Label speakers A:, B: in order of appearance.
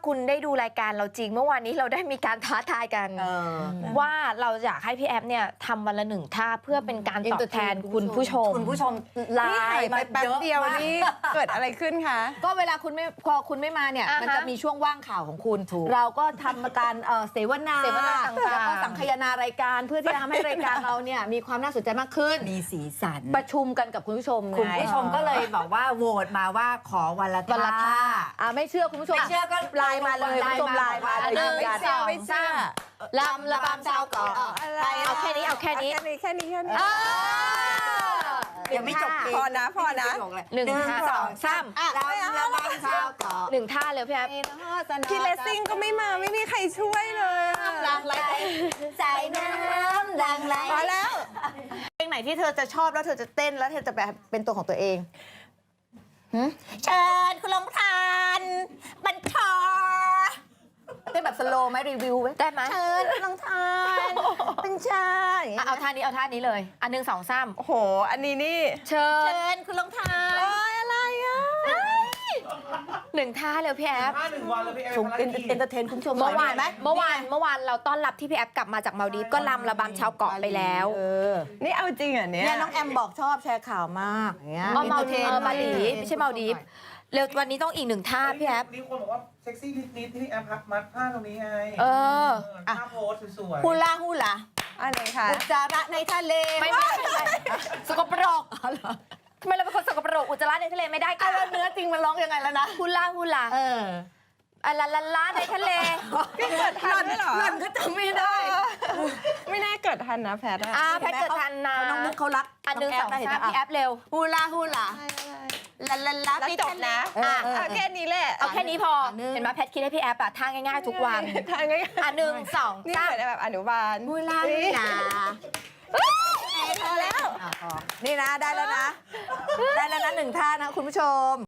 A: คุณได้ดูรายการเราจริงเมื่อวานนี้เราได้มีการท้าทายกันว่าเราอยากให้พี่แอฟเนี่ยทำวันละ1 ท่าเพื่อเป็นการตอบแทนคุณผู้ชมไลน์มาแป๊บเดียวนี่เกิดอะไรขึ้นคะ
B: ก็เวลาพอคุณไม่มาเนี่ยมันจะมีช่วงว่างข่าวของคุณเราก็ทำการเสวนา
A: ต่างๆ
B: แล้วก็สังคายนารายการเพื่อที่จะทำให้รายการเราเนี่ยมีความน่าสนใจมากขึ้น
C: มีสีสัน
B: ประชุมกันกับคุณผู้ชม
C: คุณผู้ชมก็เลยบอกว่าโหวตมาว่าขอวันละท่า
B: ไม่เชื่อคุณผู้ชม
C: ไม่เชื่อก็
B: ไลน์มาเลยคุณผู้ชมไลน์มาเลย
A: 1 2 3ลำระบำชาวเกาะเอาแค่นี้
B: แค่นี้
C: ยังไม่จบ
B: พอนะ
A: 1 2 3
C: ระบำชาวเกาะ
A: 1 ท่าเลยพี่แอฟ
B: พี่เลสซิ่งก็ไม่มาไม่มีใครช่วยเลย
C: ลังไหลใจน้ำลังไหล
B: พอแล้วเพลงไหนที่เธอจะชอบแล้วเธอจะเต้นแล้วเธอจะแบบเป็นตัวของตัวเอง
C: เชิญคุณลงทานบัญชา
B: เต้นแบบสโลว์ไหมรีวิว
A: ได้ไหม
C: เชิญคุณลงทานบัญชา
A: เอาท่านี้เลย1 2 3
B: โอ้โหอันนี้นี่
A: เชิ
C: ญคุณลงทาน
B: อะไรอ่ะ
A: 1 ท่าเลยพี่แอฟ
D: 1 วันเลยพี่แอฟ
B: เอนเตอร์เทนคุณผู้ชม
A: เมื่อวานเราต้อนรับที่พี่แอฟกลับมาจากมาลดีฟก็รำระบำชาวเกาะไปแล้ว
B: นี่เอาจริงเหรอเนี่ยน้องแอมบอกชอบแชร์ข่าวมากอย่างเงี้ย
A: มาลดีฟไม่ใช่มาลดีฟเร็ววันนี้ต้องอีก1 ท่าพี่แอฟ
D: มีคนบอกว่าเซ็กซี่นิดที่พี่แอฟมัดผ้าตรงนี้ไงท่าโพสสวย
B: ๆฮูลาอะไรคะอุจจาระในทะเล
A: ไม่สกปรกทำไมเราเป็นคนสกปรกอุจจาระในทะเลไม่ได้กัน
B: เนื้อจริงมันร้องยังไงแล้วนะ
A: ฮูลาลาในทะเล
B: เกิดทันเหรอ
C: หล่อนก็จำไม่ได้
B: ไม่น่าเกิดทันนะแพท
A: แพทเกิดทันนะ
B: น้องมุกเขารัก
A: 1 2 3พี่แอฟเร็ว
C: ฮูลา
B: แล้วจบนะเอาแค่นี้แหละ
A: เอาแค่นี้พอเห็นไหมแพทคิดให้พี่แอฟท่าง่ายๆทุกวัน
B: ท่าง่าย
A: 1 2 3
B: นี่เหมือนแบบอนุบาล
C: ฮูลา
B: พอแล้วนี่นะได้แล้วนะ1 ท่านะคุณผู้ชม